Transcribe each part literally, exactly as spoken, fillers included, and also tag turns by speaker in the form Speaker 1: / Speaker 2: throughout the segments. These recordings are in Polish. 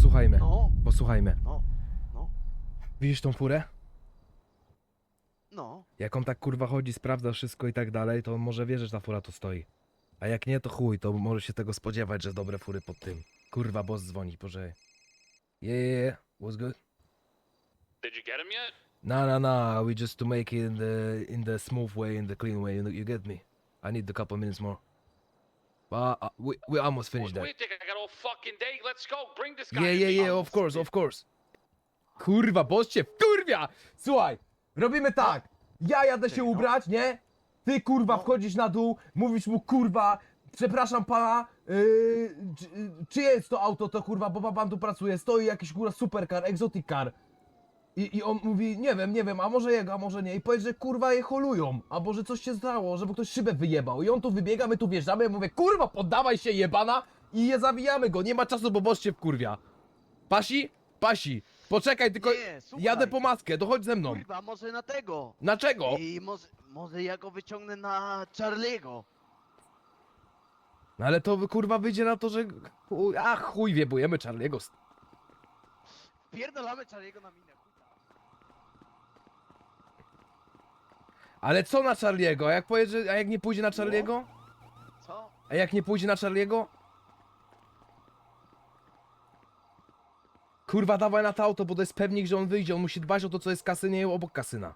Speaker 1: posłuchajmy.
Speaker 2: No,
Speaker 1: Posłuchajmy.
Speaker 2: no, no,
Speaker 1: Widzisz tą furę?
Speaker 2: no.
Speaker 1: Jak on tak kurwa chodzi, sprawdza wszystko i tak dalej, to on może wie, że ta fura tu stoi. A jak nie, to chuj, to może się tego spodziewać, że dobre fury pod tym. Kurwa, boss dzwoni, poczekaj. Yeah, yeah, yeah. What's good?
Speaker 3: Did you get him yet?
Speaker 1: No, no, no, we just to make it in the, in the smooth way, in the clean way, you, you get me? I need a couple minutes more. But uh, we, we almost finished that.
Speaker 3: Wait, I got all fucking day. Let's go. Bring this guy.
Speaker 1: Yeah,
Speaker 3: to
Speaker 1: yeah,
Speaker 3: me.
Speaker 1: yeah, of course, of course. Kurwa, boss cię wkurwia! Słuchaj, robimy tak. Ja jadę się ubrać, nie? Ty kurwa wchodzisz na dół, mówisz mu kurwa, przepraszam pana, yy, czy, czyje jest to auto, to kurwa, bo pan tu pracuje, stoi jakiś kurwa supercar, exotic car. I, I on mówi, nie wiem, nie wiem, a może jego, a może nie. I powiedz, że kurwa je holują, albo że coś się stało, żeby ktoś szybę wyjebał. I on tu wybiega, my tu wjeżdżamy, ja mówię, kurwa, poddawaj się jebana i je zawijamy go, nie ma czasu, bo boss cię wkurwia. Pasi? Pasi. Poczekaj, tylko
Speaker 2: Nie, słuchaj.
Speaker 1: jadę po maskę, to chodź ze mną.
Speaker 2: Kurwa, może na tego.
Speaker 1: Na czego?
Speaker 2: I może, może ja go wyciągnę na Charlie'ego.
Speaker 1: No ale to kurwa wyjdzie na to, że... chuj- A chuj, wiebujemy Charlie'ego.
Speaker 2: Pierdolamy Charlie'ego na minę. chuta.
Speaker 1: Ale co na Charlie'ego? A jak powie, że... A jak nie pójdzie na Charlie'ego?
Speaker 2: Co?
Speaker 1: A jak nie pójdzie na Charlie'ego? Kurwa, dawaj na to auto, bo to jest pewnik, że on wyjdzie. On musi dbać o to, co jest w kasynie obok kasyna.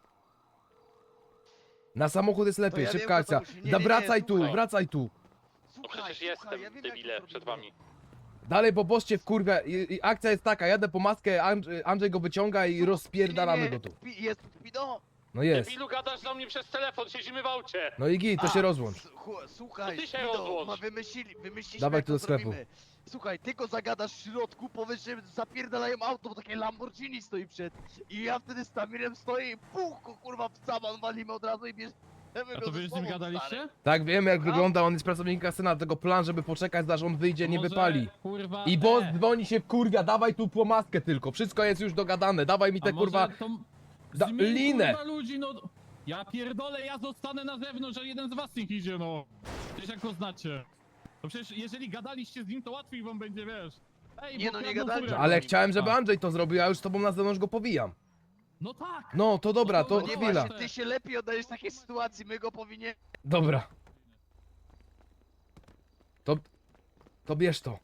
Speaker 1: Na samochód jest lepiej,
Speaker 2: ja wiem,
Speaker 1: szybka
Speaker 2: że to
Speaker 1: akcja.
Speaker 2: musi- nie,
Speaker 1: Da,
Speaker 2: nie, nie,
Speaker 1: wracaj tu,
Speaker 2: słuchaj.
Speaker 1: wracaj tu.
Speaker 3: No
Speaker 2: Słuchaj,
Speaker 3: przecież jestem,
Speaker 2: słuchaj, ja wiem, jak
Speaker 3: debile,
Speaker 2: to
Speaker 3: przed
Speaker 2: zrobimy.
Speaker 3: wami.
Speaker 1: Dalej, bo boss cię wkurwia. I, i akcja jest taka, jadę po maskę, Andrzej, Andrzej go wyciąga i rozpierdalamy
Speaker 2: Nie,
Speaker 1: go tu.
Speaker 2: pi- Jest Pido.
Speaker 1: No jest.
Speaker 3: Debilu, gadasz do mnie przez telefon, siedzimy w aucie.
Speaker 1: No i git, to
Speaker 2: A,
Speaker 1: się rozłącz.
Speaker 2: s- chu- Słuchaj,
Speaker 3: To ty się
Speaker 2: Pido,
Speaker 3: rozłącz.
Speaker 2: ma wymyślili, wymyśliliśmy
Speaker 1: Dawaj
Speaker 2: jak
Speaker 1: tu
Speaker 2: to
Speaker 1: do sklepu.
Speaker 2: zrobimy. Słuchaj, ty go zagadasz w środku, powiesz, że zapierdalają auto, bo takie Lamborghini stoi przed. I ja wtedy z Tamirem stoję i puch, go, kurwa, w saman walimy od razu i bierzemy
Speaker 4: A
Speaker 2: go
Speaker 4: to
Speaker 2: ze
Speaker 4: wy z nim
Speaker 2: sobą,
Speaker 4: gadaliście?
Speaker 2: stary.
Speaker 1: Tak, wiem jak
Speaker 2: A?
Speaker 1: wygląda, on jest pracownikiem kasyna, tego plan, żeby poczekać, aż on wyjdzie, nie
Speaker 4: Może,
Speaker 1: wypali.
Speaker 4: Kurwa,
Speaker 1: I boss
Speaker 4: e,
Speaker 1: dzwoni się kurwia, dawaj tu po maskę tylko, wszystko jest już dogadane, dawaj mi
Speaker 4: a
Speaker 1: te
Speaker 4: może
Speaker 1: kurwa...
Speaker 4: to
Speaker 1: da-
Speaker 4: zmień,
Speaker 1: linę.
Speaker 4: Kurwa, ludzi, no. Ja pierdolę, ja zostanę na zewnątrz, a jeden z was niech idzie, no. Przecież jak go znacie. No przecież jeżeli gadaliście z nim, to łatwiej wam będzie, wiesz. Ej,
Speaker 2: Nie,
Speaker 4: bo
Speaker 2: no nie
Speaker 4: kradną
Speaker 2: gadaliśmy.
Speaker 4: furę.
Speaker 1: Ale
Speaker 2: Robimy.
Speaker 1: chciałem, żeby
Speaker 4: A.
Speaker 1: Andrzej to zrobił, a już z tobą na zewnątrz go powijam.
Speaker 4: No tak.
Speaker 1: No, to dobra,
Speaker 4: No
Speaker 1: to
Speaker 4: to
Speaker 2: Nie
Speaker 4: chwila.
Speaker 1: chwila.
Speaker 2: właśnie, ty się lepiej oddajesz w takiej sytuacji, my go powinien...
Speaker 1: Dobra. To... To bierz to.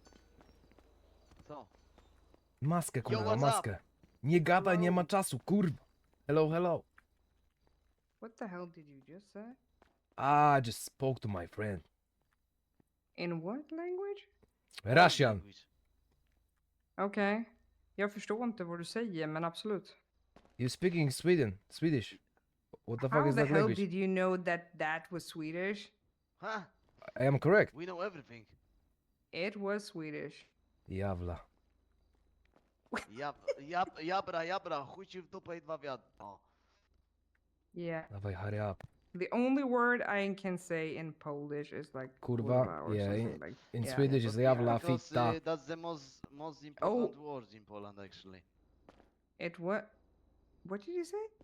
Speaker 2: Co?
Speaker 1: Maskę,
Speaker 2: Yo,
Speaker 1: kurwa,
Speaker 2: what's
Speaker 1: maskę. Nie gadaj, nie ma czasu, kurwa. Hello, hello.
Speaker 5: What the hell did you just say?
Speaker 1: I just spoke to my friend.
Speaker 5: In what language?
Speaker 1: Russian.
Speaker 5: Okej. Jag förstår inte vad du säger, men absolut.
Speaker 1: You speaking Sweden, Swedish. What the fuck
Speaker 5: How
Speaker 1: is
Speaker 5: the
Speaker 1: that
Speaker 5: hell
Speaker 1: language?
Speaker 5: did you know that that was Swedish?
Speaker 2: Huh?
Speaker 1: I am correct.
Speaker 2: We know everything.
Speaker 5: It was Swedish.
Speaker 1: Jawla.
Speaker 2: Jab, jab, jabra, jabra, chuj ci w dupę i dwa wiadra. O.
Speaker 5: Yeah.
Speaker 1: Dawaj, hurry up.
Speaker 5: The only word I can say in Polish is like
Speaker 1: Kurwa,
Speaker 5: or
Speaker 1: yeah,
Speaker 5: something
Speaker 1: in-
Speaker 5: like.
Speaker 1: In
Speaker 5: yeah,
Speaker 1: Swedish
Speaker 5: yeah,
Speaker 1: is
Speaker 5: but
Speaker 1: jawla,
Speaker 2: Because
Speaker 1: fitta.
Speaker 2: uh, that's the most, most important word in Poland actually.
Speaker 5: It what? What did you say?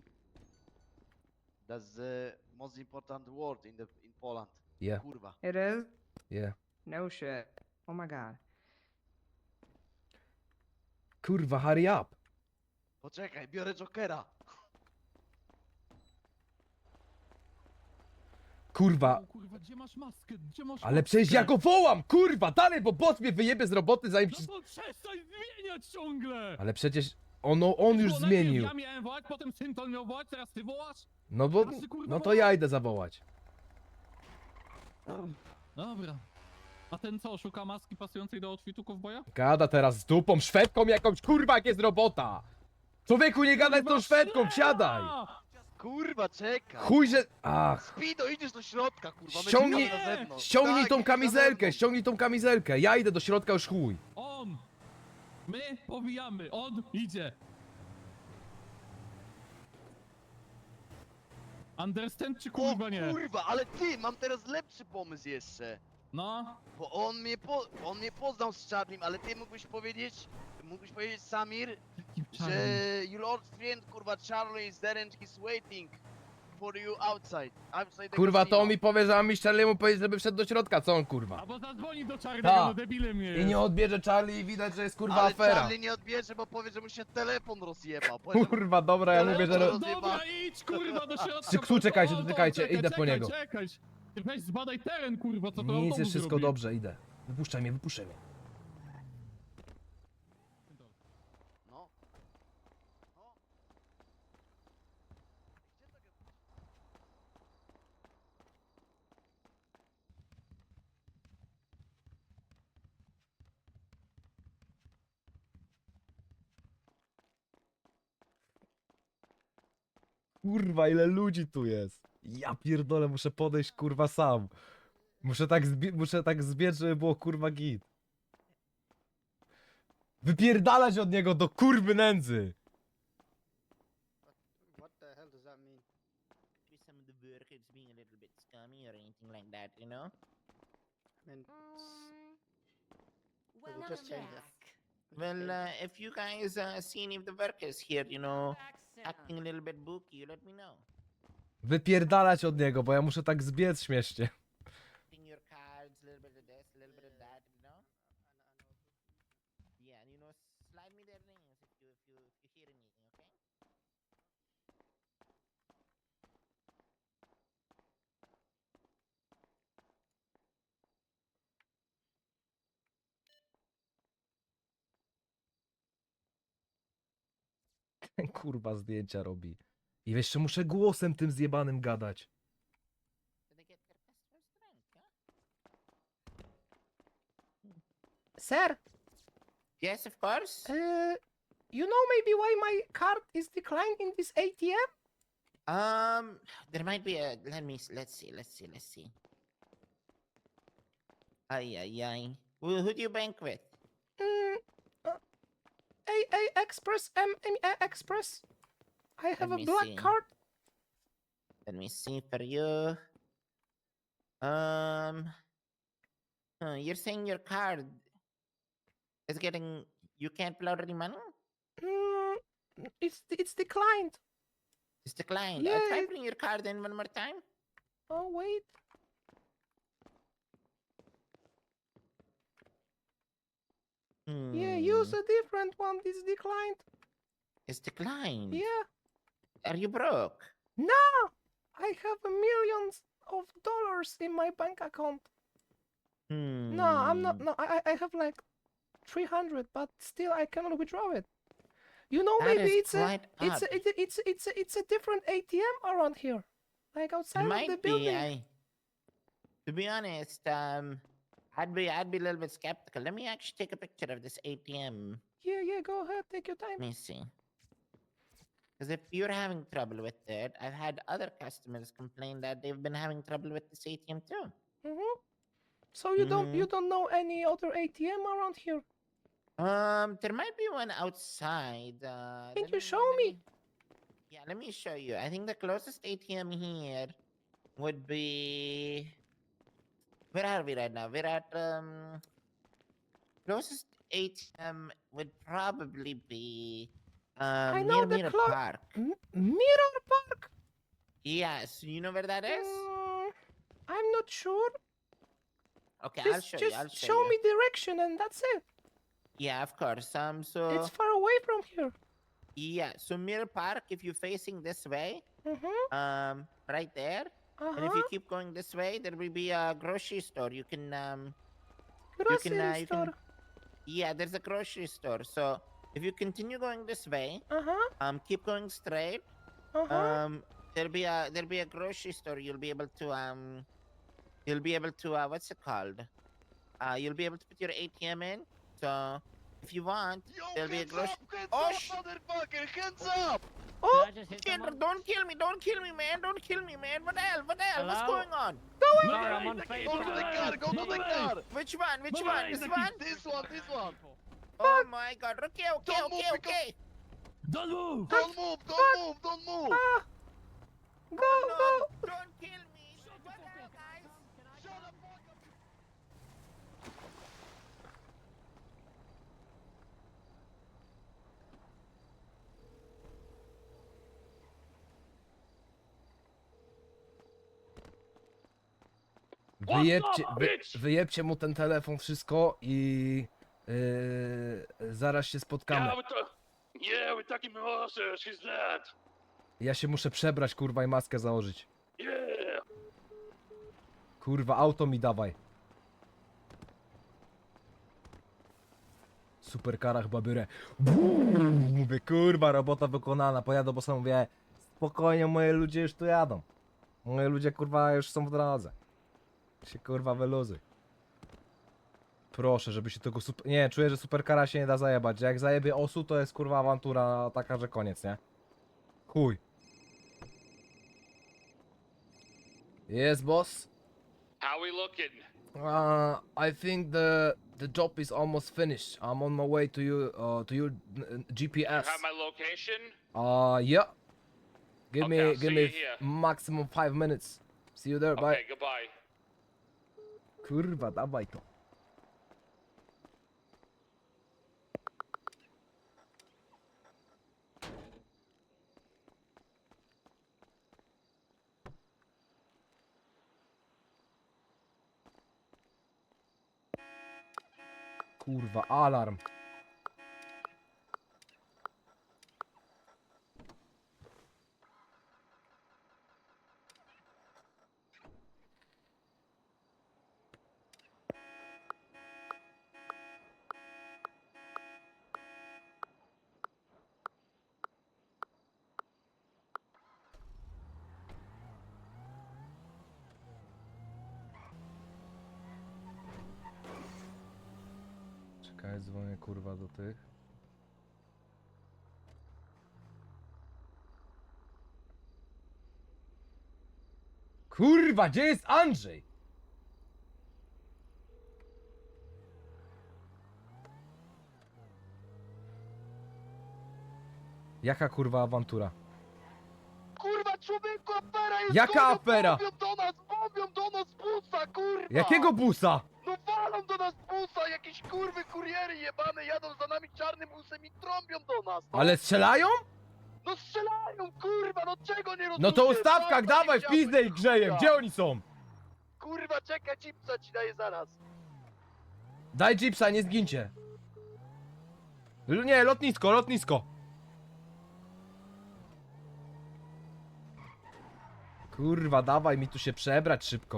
Speaker 2: That's the most important word in the in Poland.
Speaker 1: Yeah,
Speaker 2: Kurwa.
Speaker 5: It is?
Speaker 1: yeah.
Speaker 5: No shit. Oh my god.
Speaker 1: Kurwa, hurry up.
Speaker 2: Poczekaj, biorę Jokera.
Speaker 1: Kurwa.
Speaker 4: O, kurwa, gdzie masz maskę? Gdzie masz
Speaker 1: Ale
Speaker 4: maskę?
Speaker 1: przecież ja go wołam, kurwa, dalej, bo boss mnie wyjebie z roboty zanim się...
Speaker 4: No to przestań zmieniać ciągle!
Speaker 1: Ale przecież ono, on już
Speaker 4: Bo najpierw
Speaker 1: zmienił.
Speaker 4: Ja miałem wołać, potem Synton miał wołać, teraz ty wołasz?
Speaker 1: No bo,
Speaker 4: Teraz ty, kurwa,
Speaker 1: no to
Speaker 4: wołasz?
Speaker 1: ja idę zawołać.
Speaker 4: Dobra. A ten co, szuka maski pasującej do outfitu kowboja?
Speaker 1: Gada teraz z dupą, Szwedką jakąś, kurwa, jak jest robota. Człowieku, nie gadaj z tą Szwedką, wsiadaj.
Speaker 2: Kurwa, czekaj.
Speaker 1: Chuj, że... Ach,
Speaker 2: Speedo, idziesz do środka, kurwa. my
Speaker 1: Ściągnij-
Speaker 2: czekamy na zewnątrz.
Speaker 1: ściągnij
Speaker 2: Tak,
Speaker 1: tą
Speaker 2: idziesz na
Speaker 1: kamizelkę,
Speaker 2: zewnątrz.
Speaker 1: ściągnij tą kamizelkę. Ja idę do środka, już chuj.
Speaker 4: On! My powijamy, on idzie! Understand czy
Speaker 2: O
Speaker 4: kurwa nie?
Speaker 2: kurwa, ale ty, mam teraz lepszy pomysł jeszcze.
Speaker 4: No,
Speaker 2: Bo on mnie, po, on mnie poznał z Charlim, ale ty mógłbyś powiedzieć, mógłbyś powiedzieć Samir,
Speaker 4: jaki
Speaker 2: że your old friend, kurwa, Charlie is there and he's waiting. for you outside. Outside the
Speaker 1: Kurwa, to
Speaker 2: casino.
Speaker 1: on mi powie, że mam mi Charlie'emu powiedzieć, żeby wszedł do środka, co on kurwa?
Speaker 4: Albo zadzwoni do czarnego,
Speaker 1: Ta.
Speaker 4: no debilem jest.
Speaker 1: I nie odbierze Charlie i widać, że jest kurwa
Speaker 2: Ale
Speaker 1: afera.
Speaker 2: Charlie nie odbierze, bo powie, że mu się telefon rozjebał. Powie, że-
Speaker 1: Kurwa, dobra, ja
Speaker 2: Ale
Speaker 1: mówię, że...
Speaker 2: to-
Speaker 1: ro-
Speaker 4: Dobra, idź kurwa do środka.
Speaker 1: Ksu, ksu, czekajcie,
Speaker 4: O, no,
Speaker 1: czekajcie,
Speaker 4: czekaj,
Speaker 1: idę po
Speaker 4: czekaj,
Speaker 1: niego.
Speaker 4: Czekaj, Ty weź zbadaj teren kurwa, co to
Speaker 1: Nic,
Speaker 4: autobus
Speaker 1: jest wszystko
Speaker 4: robi.
Speaker 1: dobrze, idę. Wypuszczaj mnie, wypuszczaj mnie.
Speaker 2: No. No. Gdzie to go-
Speaker 1: Kurwa, ile ludzi tu jest. Ja pierdolę, muszę podejść kurwa sam. Muszę tak, zbie- muszę tak zbiec, żeby było kurwa git. Wypierdalać od niego do kurwy nędzy.
Speaker 6: What the hell does that mean?
Speaker 7: Maybe some of the workers being a little bit scummy or anything like that, you know?
Speaker 6: I mean, it's,
Speaker 8: Well,
Speaker 6: We'll just change that. it's
Speaker 7: Well,
Speaker 6: changed.
Speaker 7: uh, if you guys uh, see any of the workers here, you know, acting a little bit booky, you let me know.
Speaker 1: Wypierdalać od niego, bo ja muszę tak zbiec śmiesznie.
Speaker 7: Putting your cards, a little bit of this, a little bit of that, you know? Yeah, and you know, slide me their names if you if you if you hear anything, okay?
Speaker 1: Ten kurwa zdjęcia robi. I jeszcze muszę głosem tym zjebanym gadać.
Speaker 7: Do they get their customers drunk, huh?
Speaker 1: Sir,
Speaker 7: Yes, of course.
Speaker 1: uh, you know maybe why my card is declined in this A T M?
Speaker 7: Um, there might be a. Let me. s- Let's see. Let's see. Let's see. Ay ay ay. Who, who do you bank with?
Speaker 1: Mm, uh, A A Express, M M A Express. I have
Speaker 7: Let
Speaker 1: a
Speaker 7: me
Speaker 1: black
Speaker 7: see.
Speaker 1: card.
Speaker 7: Let me see for you. Um, huh, you're saying your card is getting. You can't pull out any money.
Speaker 1: Mm, it's it's declined.
Speaker 7: It's declined.
Speaker 1: Yeah,
Speaker 7: Uh, try
Speaker 1: it-
Speaker 7: putting your card in one more time.
Speaker 1: Oh wait. Yeah, use
Speaker 7: Hmm,
Speaker 1: a different one. It's declined.
Speaker 7: It's declined.
Speaker 1: Yeah.
Speaker 7: Are you broke?
Speaker 1: No, I have millions of dollars in my bank account.
Speaker 7: Hmm.
Speaker 1: No, I'm not. No, I I I have like three hundred, but still I cannot withdraw it. You know,
Speaker 7: That
Speaker 1: maybe
Speaker 7: is
Speaker 1: it's a
Speaker 7: quite
Speaker 1: it's a,
Speaker 7: odd.
Speaker 1: it's a, it's a, it's a, it's a different A T M around here, like outside
Speaker 7: It
Speaker 1: of the
Speaker 7: might
Speaker 1: building.
Speaker 7: be. I, to be honest, um, I'd be I'd be a little bit skeptical. Let me actually take a picture of this A T M.
Speaker 1: Yeah, yeah. Go ahead, take your time.
Speaker 7: Let me see. Because if you're having trouble with it, I've had other customers complain that they've been having trouble with this A T M too.
Speaker 1: Mm-hmm. So you don't you
Speaker 7: Mhm.
Speaker 1: don't know any other A T M around here?
Speaker 7: Um, there might be one outside. Uh,
Speaker 1: Can
Speaker 7: let
Speaker 1: you show
Speaker 7: let
Speaker 1: me?
Speaker 7: Yeah, let me show you. I think the closest A T M here would be. Where are we right now? We're at um. Closest A T M would probably be um
Speaker 1: I know
Speaker 7: near
Speaker 1: the
Speaker 7: Mirror
Speaker 1: clo-
Speaker 7: Park.
Speaker 1: M- Mirror Park?
Speaker 7: Yes, you know where that is?
Speaker 1: Mm, I'm not sure.
Speaker 7: Okay,
Speaker 1: Just,
Speaker 7: I'll show
Speaker 1: just
Speaker 7: you. I'll show,
Speaker 1: show
Speaker 7: you.
Speaker 1: me direction and that's it.
Speaker 7: Yeah, of course. Um, so
Speaker 1: It's far away from here.
Speaker 7: yeah, so Mirror Park. If you're facing this way,
Speaker 1: Mm-hmm.
Speaker 7: um, right there, and if
Speaker 1: Uh-huh.
Speaker 7: you keep going this way, there will be a grocery store. You can um,
Speaker 1: Grocery
Speaker 7: can, uh, you can-
Speaker 1: store.
Speaker 7: yeah, there's a grocery store. So if you continue going this way,
Speaker 1: Uh-huh.
Speaker 7: um, keep going straight.
Speaker 1: Uh-huh.
Speaker 7: Um, there'll be a there'll be a grocery store. You'll be able to um, you'll be able to uh, what's it called? Uh, you'll be able to put your A T M in. So if you want,
Speaker 2: Yo,
Speaker 7: there'll be a
Speaker 2: hands
Speaker 7: grocery.
Speaker 2: up, hands
Speaker 7: Oh,
Speaker 2: up,
Speaker 7: sh-
Speaker 2: motherfucker, hands up!
Speaker 1: Oh,
Speaker 7: Kendra, don't kill me! Don't kill me, man! Don't kill me, man! What the hell? What the hell? What's
Speaker 3: Hello?
Speaker 7: going on?
Speaker 3: Sorry, I'm on
Speaker 2: Go to the car, go to the car!
Speaker 7: Which one? Which
Speaker 4: Bye-bye,
Speaker 7: one? This
Speaker 4: Zaki.
Speaker 7: one?
Speaker 2: This one, this one!
Speaker 7: Oh my god. Okay, okay,
Speaker 2: Don't move
Speaker 7: okay,
Speaker 2: because-
Speaker 7: okay.
Speaker 4: Don't move!
Speaker 2: Don't move, don't move, don't move!
Speaker 1: ah. Go,
Speaker 7: No,
Speaker 1: go.
Speaker 7: don't kill me. What the hell, guys?
Speaker 2: Shut the fuck up!
Speaker 3: What
Speaker 1: Wyjebcie,
Speaker 3: the
Speaker 1: wy,
Speaker 3: bitch?
Speaker 1: wyjebcie mu ten telefon, wszystko i yy, zaraz się spotkamy.
Speaker 3: Yeah, with the... Yeah, we're talking Melissa, she's dead.
Speaker 1: Ja się muszę przebrać, kurwa, i maskę założyć.
Speaker 3: Yeah.
Speaker 1: Kurwa, auto mi dawaj. Superkara chyba biorę. Mówię, kurwa, robota wykonana. Pojadę, bo sam mówię, spokojnie, moje ludzie już tu jadą. Moje ludzie, kurwa, już są w drodze. Się, kurwa, wyluzuj. Proszę, żeby się tego super... Nie, czuję, że superkara się nie da zajebać. Że jak zajebie osu, to jest, kurwa, awantura taka, że koniec, nie? Chuj. Jest, boss?
Speaker 3: How we looking?
Speaker 1: Uh, I think the the job is almost finished. I'm on my way to you uh, to your uh, G P
Speaker 3: You
Speaker 1: S.
Speaker 3: have my location?
Speaker 1: Uh, yeah. Give
Speaker 3: Okay,
Speaker 1: me
Speaker 3: I'll
Speaker 1: give
Speaker 3: see
Speaker 1: me
Speaker 3: you here.
Speaker 1: maximum five minutes. See you there. Bye.
Speaker 3: Okay, goodbye.
Speaker 1: Kurwa, dawaj to. Kurwa, alarm. Czekaj, dzwonię, kurwa, do tych. Kurwa, gdzie jest Andrzej? Jaka, kurwa, awantura?
Speaker 2: Kurwa, człowieku, afera jest!
Speaker 1: Jaka
Speaker 2: gonią,
Speaker 1: afera?
Speaker 2: Bobią do nas, bobią do nas busa, kurwa!
Speaker 1: Jakiego busa?
Speaker 2: No walą do nas busa, jakieś kurwy kuriery jebane jadą za nami czarnym busem i trąbią do nas! No,
Speaker 1: Ale strzelają?
Speaker 2: no strzelają, kurwa, no czego nie rozumiesz?
Speaker 1: No to ustawkach,
Speaker 2: Kurwa,
Speaker 1: dawaj,
Speaker 2: nie
Speaker 1: w pizdę ich
Speaker 2: chciałbyś,
Speaker 1: grzejem.
Speaker 2: kurwa.
Speaker 1: Gdzie oni są?
Speaker 2: Kurwa, czekaj, chipsa ci daję zaraz.
Speaker 1: Daj jeepsa, nie zgincie. L- Nie, lotnisko, lotnisko. Kurwa, dawaj mi tu się przebrać szybko.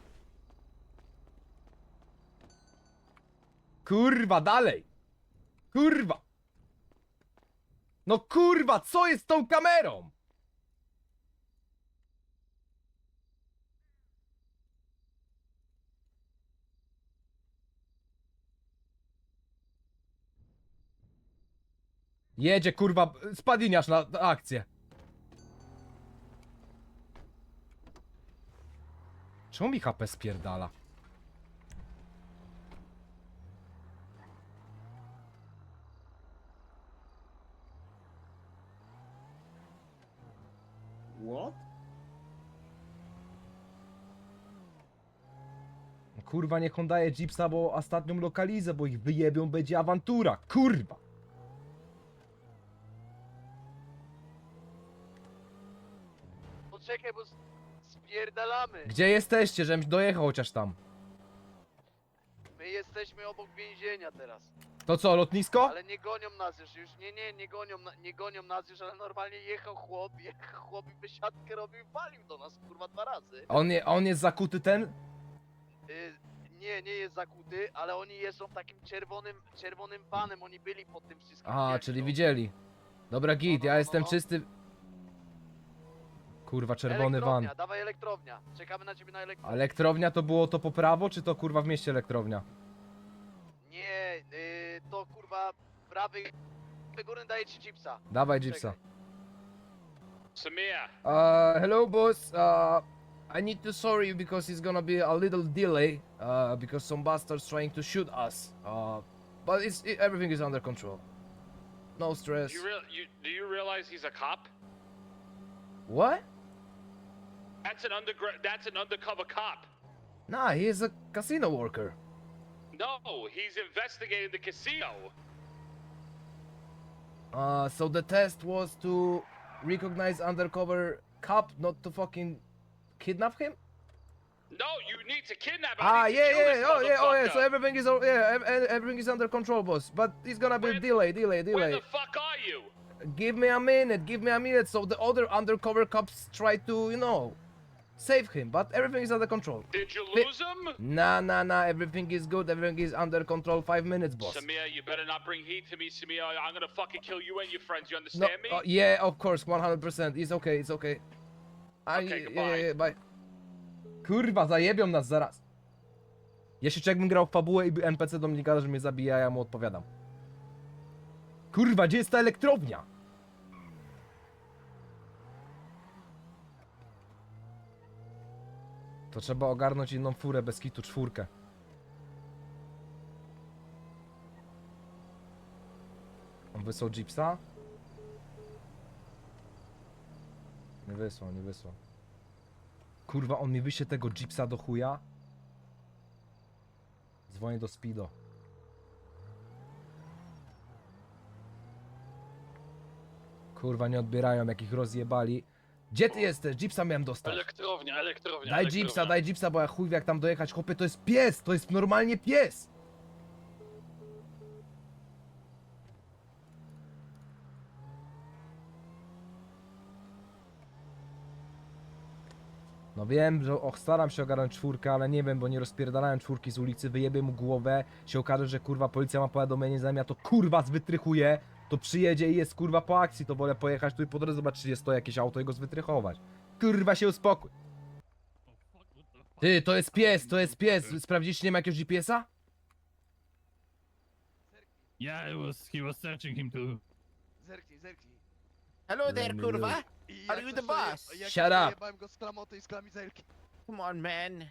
Speaker 1: Kurwa, dalej. Kurwa. No kurwa, co jest z tą kamerą? Jedzie, kurwa, spadiniarz na, na akcję. Czemu mi H P spierdala?
Speaker 9: What?
Speaker 1: Kurwa, niech on daje jeepsa, bo ostatnią lokalizę, bo ich wyjebią, będzie awantura. Kurwa.
Speaker 2: Poczekaj, bo s- spierdalamy.
Speaker 1: Gdzie jesteście, żebym dojechał chociaż tam?
Speaker 2: My jesteśmy obok więzienia teraz.
Speaker 1: To co, lotnisko?
Speaker 2: Ale nie gonią nas już, już nie, nie, nie gonią, na, nie gonią nas już, ale normalnie jechał chłop, jechał chłop i wysiadkę robił i walił do nas, kurwa, dwa razy.
Speaker 1: A on, je, a on jest zakuty ten?
Speaker 2: Y, nie, nie jest zakuty, ale oni jeżdżą takim czerwonym, czerwonym panem, oni byli pod tym wszystkim.
Speaker 1: Aha,
Speaker 2: wiesz,
Speaker 1: czyli
Speaker 2: no.
Speaker 1: widzieli. Dobra, git,
Speaker 2: no,
Speaker 1: ja
Speaker 2: no,
Speaker 1: jestem
Speaker 2: no.
Speaker 1: czysty. Kurwa, czerwony van.
Speaker 2: Elektrownia, dawaj elektrownia, czekamy na ciebie na elektrownię.
Speaker 1: Elektrownia to było to po prawo, czy to kurwa w mieście elektrownia?
Speaker 2: Nie, y, to kurwa, prawy, górny daje ci chipsa.
Speaker 1: Dawaj jeepsa.
Speaker 2: Czekaj.
Speaker 3: Samir,
Speaker 1: Uh, hello boss. Uh, I need to sorry you because it's gonna be a little delay. Uh, because some bastards trying to shoot us. Uh, but it's it, everything is under control. No stress.
Speaker 3: you real you do you realize he's a cop?
Speaker 1: What?
Speaker 3: That's an underground. That's an undercover cop.
Speaker 1: Nah, he is a casino worker.
Speaker 3: No, he's investigating the casino.
Speaker 1: Uh, so the test was to recognize undercover cop, not to fucking kidnap him?
Speaker 3: No, you need to kidnap him.
Speaker 1: Ah,
Speaker 3: I need to
Speaker 1: yeah,
Speaker 3: kill
Speaker 1: yeah,
Speaker 3: this
Speaker 1: oh, yeah, oh, yeah. So
Speaker 3: motherfucker.
Speaker 1: everything is, all- yeah, ev- ev- everything is under control, boss. But it's gonna be
Speaker 3: Where-
Speaker 1: delay, delay,
Speaker 3: Where
Speaker 1: delay.
Speaker 3: the fuck are you?
Speaker 1: Give me a minute, give me a minute. So the other undercover cops try to, you know, save him, but everything is under control.
Speaker 3: Did you
Speaker 1: Fi-
Speaker 3: lose him?
Speaker 1: Nah, nah, nah. Everything is good. Everything is under control. Five minutes, boss.
Speaker 3: Samir, you better not bring heat to me, Samir. I'm gonna fucking kill you and your friends. You
Speaker 1: No,
Speaker 3: understand me?
Speaker 1: uh, yeah, of course, one hundred percent. It's okay, it's okay. I,
Speaker 3: Okay,
Speaker 1: yeah,
Speaker 3: goodbye.
Speaker 1: yeah, yeah, bye. Kurwa, zajebią nas zaraz. Jeszcze jakbym grał w fabułę i by N P C do mnie gada, że mnie zabija, ja mu odpowiadam. Kurwa, gdzie jest ta elektrownia? To trzeba ogarnąć inną furę bez kitu, czwórkę. On wysłał Jeepsa? Nie wysłał, nie wysłał. Kurwa, on mi wyśle tego Jeepsa do chuja? Dzwonię do Speedo. Kurwa, nie odbierają, jak ich rozjebali. Gdzie ty jesteś? Jeepsa miałem dostać.
Speaker 3: Elektrownia, elektrownia.
Speaker 1: Daj
Speaker 3: elektrownia.
Speaker 1: Jeepsa, daj Jeepsa, bo ja chuj wie jak tam dojechać. Chłopie, to jest pies, to jest normalnie pies. No wiem, że och, staram się ogarnąć czwórkę, ale nie wiem, bo nie rozpierdalałem czwórki z ulicy, wyjebię mu głowę, się okaże, że kurwa policja ma powiadomienie, zanim ja to kurwa zwytrychuję, to przyjedzie i jest kurwa po akcji, to wolę pojechać tu i po drodze zobaczyć, czy jest stoi jakieś auto i go zwytrychować. Kurwa się uspokój. Ty, to jest pies, to jest pies. Sprawdziliście, nie ma jakiegoś G P S-a?
Speaker 4: Yeah, it was, he was searching him too.
Speaker 2: Zerknij, zerknij.
Speaker 7: Hello
Speaker 1: Let
Speaker 7: there,
Speaker 1: me
Speaker 7: kurwa.
Speaker 1: look.
Speaker 2: I
Speaker 7: Are
Speaker 2: jak
Speaker 7: you
Speaker 2: coś
Speaker 7: the
Speaker 2: to je-
Speaker 7: boss?
Speaker 2: jak
Speaker 1: Shut
Speaker 2: coś to
Speaker 1: up.
Speaker 2: jebałem go z klamoty i z kamizelki.
Speaker 7: Come on, man.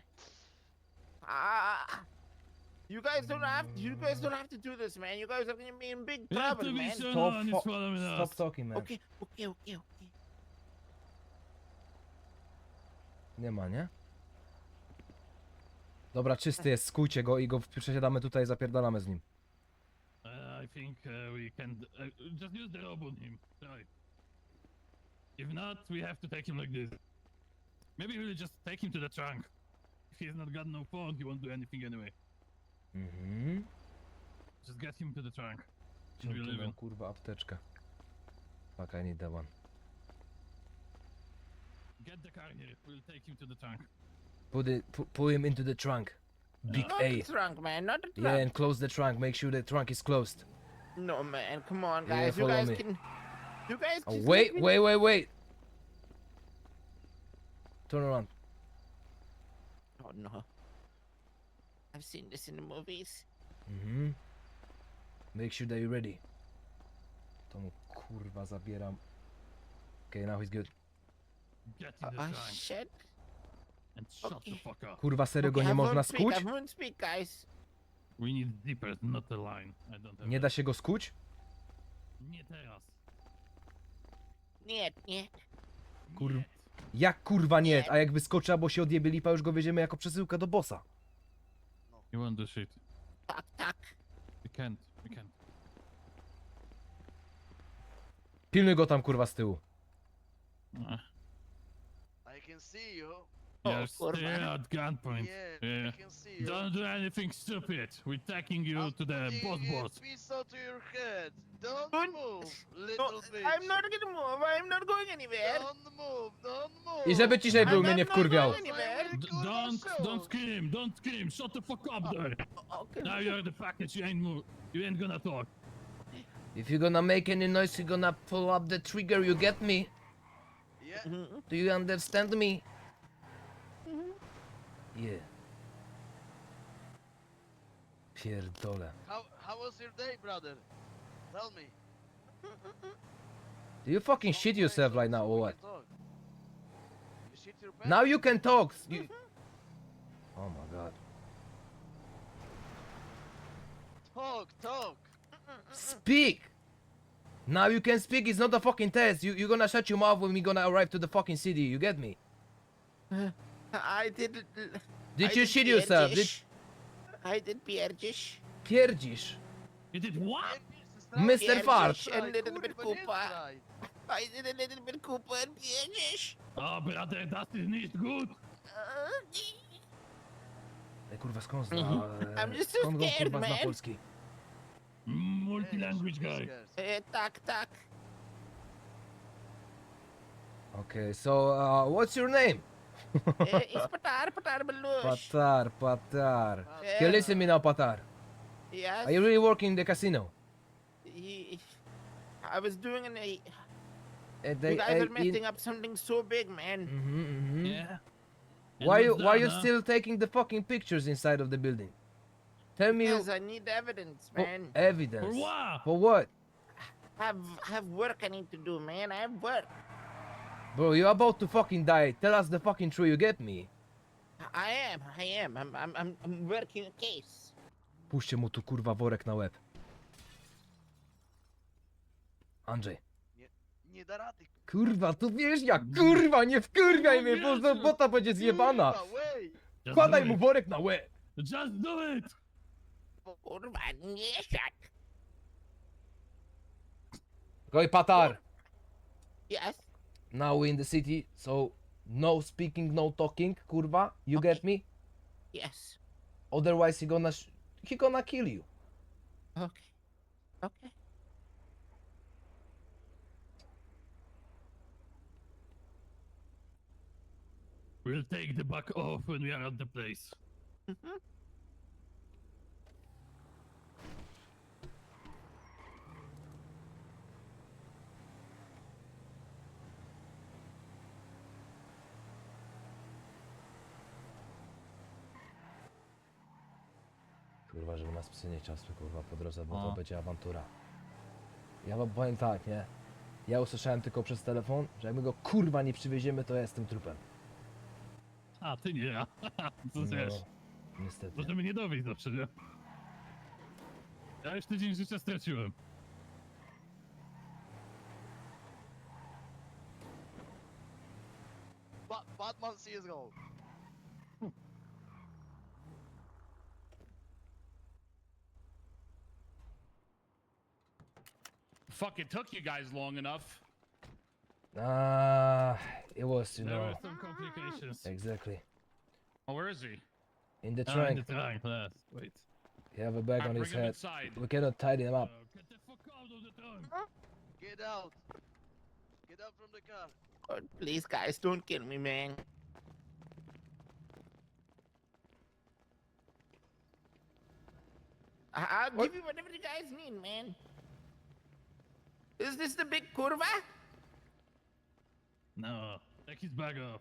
Speaker 7: Ah. You guys don't have you guys don't have to do this, man. You guys are gonna be in big
Speaker 4: We have to
Speaker 7: trouble,
Speaker 4: be
Speaker 7: man.
Speaker 4: sure
Speaker 1: Stop
Speaker 4: no one is
Speaker 1: fo-
Speaker 4: following
Speaker 1: Stop
Speaker 4: us.
Speaker 1: talking, man.
Speaker 7: Okay, okay, okay, okay.
Speaker 1: Nie ma, nie? Dobra, czysty jest, skójcie go i go przesiadamy tutaj i zapierdalamy z nim.
Speaker 4: Uh, I think uh, we can uh, just use the rope on him. Try. If not, we have to take him like this. Maybe we'll just take him to the trunk. If he's not got no phone, he won't do anything anyway.
Speaker 1: Mhm.
Speaker 4: Just get him to the trunk.
Speaker 1: Czym
Speaker 4: We'll
Speaker 1: tu
Speaker 4: leave
Speaker 1: mam,
Speaker 4: him.
Speaker 1: kurwa, apteczkę? Fuck, I need that one.
Speaker 4: Get the car here. We'll take him to the trunk.
Speaker 1: Put it, pu- put him into the trunk. Big
Speaker 7: Not
Speaker 1: A.
Speaker 7: the trunk, man. Not the trunk.
Speaker 1: Yeah, and close the trunk. Make sure the trunk is closed.
Speaker 7: No, man. Come on,
Speaker 1: Yeah,
Speaker 7: guys. you
Speaker 1: follow
Speaker 7: guys
Speaker 1: me.
Speaker 7: can. You guys.
Speaker 1: Oh,
Speaker 7: just
Speaker 1: wait,
Speaker 7: let me-
Speaker 1: wait, wait, wait. Turn around.
Speaker 7: Oh no. I've seen this in the movies.
Speaker 1: Mhm. Make sure that you're ready. To mu kurwa zabieram. Okay, now he's good.
Speaker 4: Get in the
Speaker 7: Oh
Speaker 4: trunk
Speaker 7: shit.
Speaker 4: and shut
Speaker 7: okay.
Speaker 4: the fuck up.
Speaker 1: Kurwa, serio go
Speaker 7: Okay,
Speaker 1: nie
Speaker 7: I
Speaker 1: można
Speaker 7: won't speak,
Speaker 1: skuć?
Speaker 7: I won't speak, guys.
Speaker 4: We need zippers, not the line. I don't have
Speaker 1: Nie
Speaker 4: that.
Speaker 1: da się go skuć?
Speaker 4: Nie teraz.
Speaker 7: Nie, nie.
Speaker 1: Kur-
Speaker 4: Nie.
Speaker 1: Jak kurwa nie? A jak wyskoczy albo się odjebie lipa, już go wiedziemy jako przesyłkę do bossa.
Speaker 4: You want the shit.
Speaker 7: Tak, tak.
Speaker 4: We can't. We can't.
Speaker 1: Pilnuj go tam kurwa z tyłu.
Speaker 4: Uh,
Speaker 2: I can see you.
Speaker 4: you're
Speaker 7: kurwa.
Speaker 4: still at gunpoint.
Speaker 2: Yeah,
Speaker 4: Yeah.
Speaker 2: I can see you.
Speaker 4: Don't do anything stupid. We're taking you
Speaker 2: I'm
Speaker 4: to the
Speaker 2: putting
Speaker 4: boss
Speaker 2: a
Speaker 4: boss.
Speaker 2: pistol to your head. Don't
Speaker 7: Don't-
Speaker 2: move,
Speaker 7: No,
Speaker 2: little bitch.
Speaker 7: I'm not gonna move. I'm not going anywhere.
Speaker 2: Don't move, don't move.
Speaker 1: I żeby ciszej był, mnie nie wkurwiał.
Speaker 4: D- don't, don't scream, don't scream. Shut the fuck up there.
Speaker 7: Okay.
Speaker 4: Now you're the package. You ain't move. You ain't gonna talk.
Speaker 1: If you're gonna make any noise, you're gonna pull up the trigger, you get me?
Speaker 2: Yeah.
Speaker 7: Mhm.
Speaker 1: Do you understand me? Yeah. Pierdole.
Speaker 2: How how was your day, brother? Tell me.
Speaker 1: Do you fucking shit
Speaker 2: Don't
Speaker 1: yourself
Speaker 2: lie,
Speaker 1: right now
Speaker 2: so
Speaker 1: or
Speaker 2: we
Speaker 1: what?
Speaker 2: can talk. You shit your pants?
Speaker 1: Now you can talk. You... Oh my god.
Speaker 2: Talk, talk.
Speaker 1: Speak! Now you can speak, it's not a fucking test. You, you're gonna shut your mouth when we gonna arrive to the fucking city, you get me?
Speaker 7: I did.
Speaker 1: Did
Speaker 7: I
Speaker 1: you shit yourself? Did...
Speaker 7: pierdzisz. I did pierdzish.
Speaker 1: Pierdzisz.
Speaker 4: You did what?
Speaker 1: mister Fart.
Speaker 7: Pierdzisz and little bit Koopa. I did a little bit Koopa and pierdzish.
Speaker 4: Oh, brother, that is not good.
Speaker 1: Ej, kurwa, skąd zna...
Speaker 7: Mhm.
Speaker 1: e,
Speaker 7: I'm just so
Speaker 1: skąd go,
Speaker 7: scared,
Speaker 1: kurwa, zna
Speaker 7: man.
Speaker 1: polski?
Speaker 4: Multi-language guy.
Speaker 7: E, tak, tak.
Speaker 1: Okay, so, uh, what's your name?
Speaker 7: E, it's Patar, Patar Balush.
Speaker 1: Patar, Patar.
Speaker 7: Yeah.
Speaker 1: Okay, listen me now, Patar.
Speaker 7: Yes.
Speaker 1: Are you really working in the casino?
Speaker 7: He- I was doing an... A,
Speaker 1: Uh,
Speaker 7: you guys are messing up something so big, man.
Speaker 1: Mm-hmm, mm-hmm.
Speaker 4: Yeah. And
Speaker 1: Why you
Speaker 4: what's
Speaker 1: why
Speaker 4: that,
Speaker 1: you
Speaker 4: huh?
Speaker 1: still taking the fucking pictures inside of the building? Tell me
Speaker 7: Because I need evidence,
Speaker 1: for
Speaker 7: man.
Speaker 1: evidence.
Speaker 4: For what?
Speaker 1: For what?
Speaker 7: have have work I need to do, man. I have work.
Speaker 1: Bro, you're about to fucking die. Tell us the fucking truth, you get me?
Speaker 7: I am, I am. I'm I'm I'm, I'm working a case.
Speaker 1: Puśćcie mu tu kurwa worek na łeb. Andrzej.
Speaker 2: Nie da rady.
Speaker 1: Kurwa, tu wiesz jak, kurwa, nie wkurwiaj mnie, bo
Speaker 4: Jezu.
Speaker 1: bota będzie zjebana.
Speaker 2: Kurwa, wey!
Speaker 4: Just
Speaker 1: Kładaj
Speaker 4: do
Speaker 1: mu
Speaker 4: it.
Speaker 1: worek na łeb.
Speaker 4: Just do it!
Speaker 7: Kurwa, nie siak.
Speaker 1: Oj, Patar.
Speaker 7: Yes.
Speaker 1: Now we in the city, so no speaking, no talking, kurwa. You get me?
Speaker 7: Yes.
Speaker 1: Otherwise he gonna sh he gonna kill you.
Speaker 7: Okay. Okay.
Speaker 4: We'll take the back off when we are at the place.
Speaker 7: Mhm.
Speaker 1: Kurwa, żeby nas psy nie ciasły, kurwa, po drodze, bo
Speaker 4: O.
Speaker 1: to będzie awantura. Ja wam powiem tak, nie? Ja usłyszałem tylko przez telefon, że jak my go kurwa nie przywieziemy, to ja jestem trupem.
Speaker 4: A, ty nie ja. Co wiesz?
Speaker 1: Niestety.
Speaker 4: Możemy nie dowieść zawsze, nie? Ja już tydzień życia straciłem.
Speaker 2: Ba Batman C S G O.
Speaker 3: Fucking took you guys long enough.
Speaker 1: Ah, it was, you
Speaker 4: There
Speaker 1: know,
Speaker 4: were some complications.
Speaker 1: exactly.
Speaker 3: Oh, where is he?
Speaker 1: In the
Speaker 4: Ah,
Speaker 1: trunk,
Speaker 4: in the trunk, yes. Wait.
Speaker 1: he have a bag
Speaker 3: Alright,
Speaker 1: on his
Speaker 3: bring him
Speaker 1: head.
Speaker 3: inside.
Speaker 1: We cannot tidy him
Speaker 4: Uh,
Speaker 1: up.
Speaker 4: get the fuck out of the trunk!
Speaker 2: Get out. Get out from the car.
Speaker 7: God, please, guys, don't kill me, man. I- I'll
Speaker 1: What?
Speaker 7: give you whatever you guys need, man. Is this the big curva?
Speaker 4: No, take his bag off.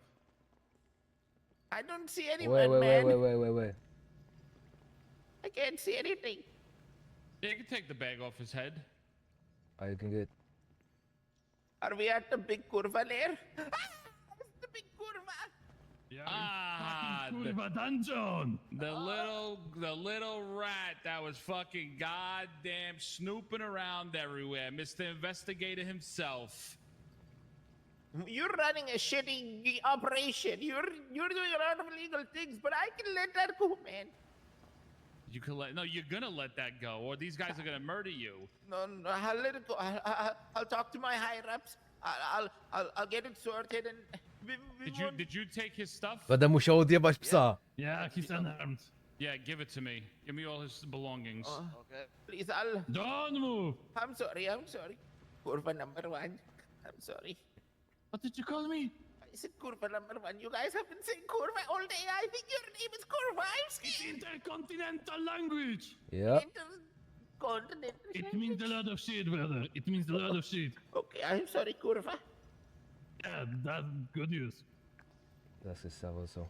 Speaker 7: I don't see
Speaker 1: Wait,
Speaker 7: anyone,
Speaker 1: wait, wait,
Speaker 7: man.
Speaker 1: wait, wait, wait, wait.
Speaker 7: I can't see anything.
Speaker 3: Yeah, you can take the bag off his head.
Speaker 1: Ah, you can get.
Speaker 7: Are we at the big curva there? Ah, it's the big curva.
Speaker 4: Yeah,
Speaker 3: Ah,
Speaker 4: fucking
Speaker 3: the-
Speaker 4: Kurva dungeon!
Speaker 3: The little, the little rat that was fucking goddamn snooping around everywhere, Mister Investigator himself.
Speaker 7: You're running a shitty operation. You're you're doing a lot of illegal things, but I can let that go, man.
Speaker 3: You can let, no, you're gonna let that go, or these guys are gonna murder you.
Speaker 7: No, no, I'll let it go. I'll, I'll, I'll talk to my higher ups. I'll, I'll, I'll, I'll get it sorted, and we, we
Speaker 3: Did you,
Speaker 7: won't-
Speaker 3: did you take his stuff?
Speaker 1: Będę musiał odjebać psa.
Speaker 4: Yeah, he's unarmed.
Speaker 3: Yeah, give it to me. Give me all his belongings.
Speaker 7: Oh,
Speaker 2: Okay.
Speaker 7: please, I'll.
Speaker 4: Don't move!
Speaker 7: I'm sorry. I'm sorry. Curva number one. I'm sorry.
Speaker 4: What did you call me?
Speaker 7: I said curva number one. You guys have been saying curva all day. I think your name is curva. I'm
Speaker 4: It's
Speaker 7: scared.
Speaker 4: intercontinental language!
Speaker 1: Yep.
Speaker 7: Intercontinental
Speaker 4: It means a lot of shit, brother. It means a lot of shit.
Speaker 7: Okay, I'm sorry, curva.
Speaker 4: Yeah, that's good news.
Speaker 1: That's his stuff also.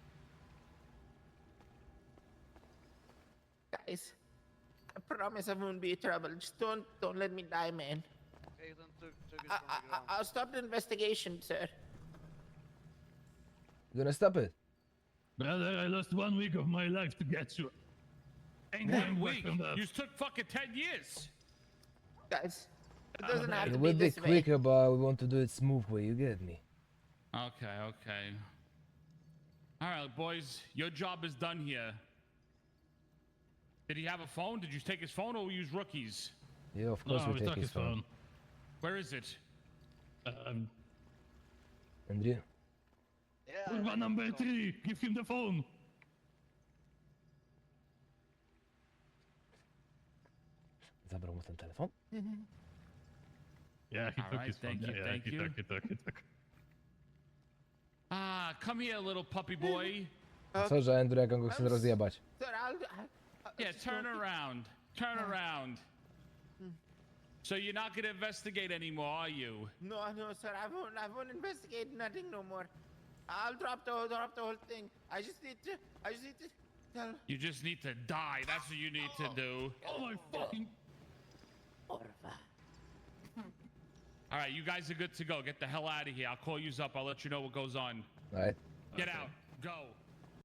Speaker 7: Guys, I promise I won't be in trouble. Just don't, don't let me die, man.
Speaker 2: Okay, then took, took it
Speaker 7: I,
Speaker 2: from
Speaker 7: I,
Speaker 2: the ground.
Speaker 7: I- I'll stop the investigation, sir.
Speaker 1: You gonna stop it?
Speaker 4: Brother, I lost one week of my life to get you. Ain't going
Speaker 3: One
Speaker 4: back
Speaker 3: week.
Speaker 4: from that.
Speaker 3: You took fucking ten years.
Speaker 7: Guys, it doesn't have
Speaker 1: It
Speaker 7: to be
Speaker 1: will be
Speaker 7: this way.
Speaker 1: quicker, but we want to do it smooth way. You get me?
Speaker 3: Okay, okay. All right, boys, your job is done here. Did he have a phone? Did you take his phone, or we use rookies?
Speaker 1: Yeah, of course
Speaker 4: No,
Speaker 1: we
Speaker 4: we
Speaker 1: take
Speaker 4: took
Speaker 1: his
Speaker 4: his
Speaker 1: phone.
Speaker 4: phone.
Speaker 3: Where is it?
Speaker 4: Um,
Speaker 1: Andrew?
Speaker 2: Yeah. I
Speaker 4: Kurva
Speaker 2: think
Speaker 4: number
Speaker 2: so.
Speaker 4: three, give him the phone.
Speaker 1: Zabrał mu ten telefon?
Speaker 4: Yeah, he took
Speaker 3: Alright,
Speaker 4: his phone.
Speaker 3: thank
Speaker 4: Yeah,
Speaker 3: you,
Speaker 4: yeah,
Speaker 3: thank
Speaker 4: he
Speaker 3: you.
Speaker 4: took, he took, he took.
Speaker 3: Ah, come here, little puppy boy.
Speaker 1: Co, że Andrew, jak on go chce rozjebać?
Speaker 7: Sir, I'll. I'll, I'll
Speaker 3: Yeah,
Speaker 7: just
Speaker 3: turn
Speaker 7: go-
Speaker 3: around. Turn around. So you're not gonna investigate anymore, are you?
Speaker 7: No, no, sir. I won't. I won't investigate nothing no more. I'll drop the drop the whole thing. I just need to. I just need to tell.
Speaker 3: You just need to die. That's what you need to do.
Speaker 4: Oh my fucking...
Speaker 7: Orva.
Speaker 3: All right, you guys are good to go. Get the hell out of here. I'll call you up. I'll let you know what goes on.
Speaker 1: Right.
Speaker 3: Get out. Go.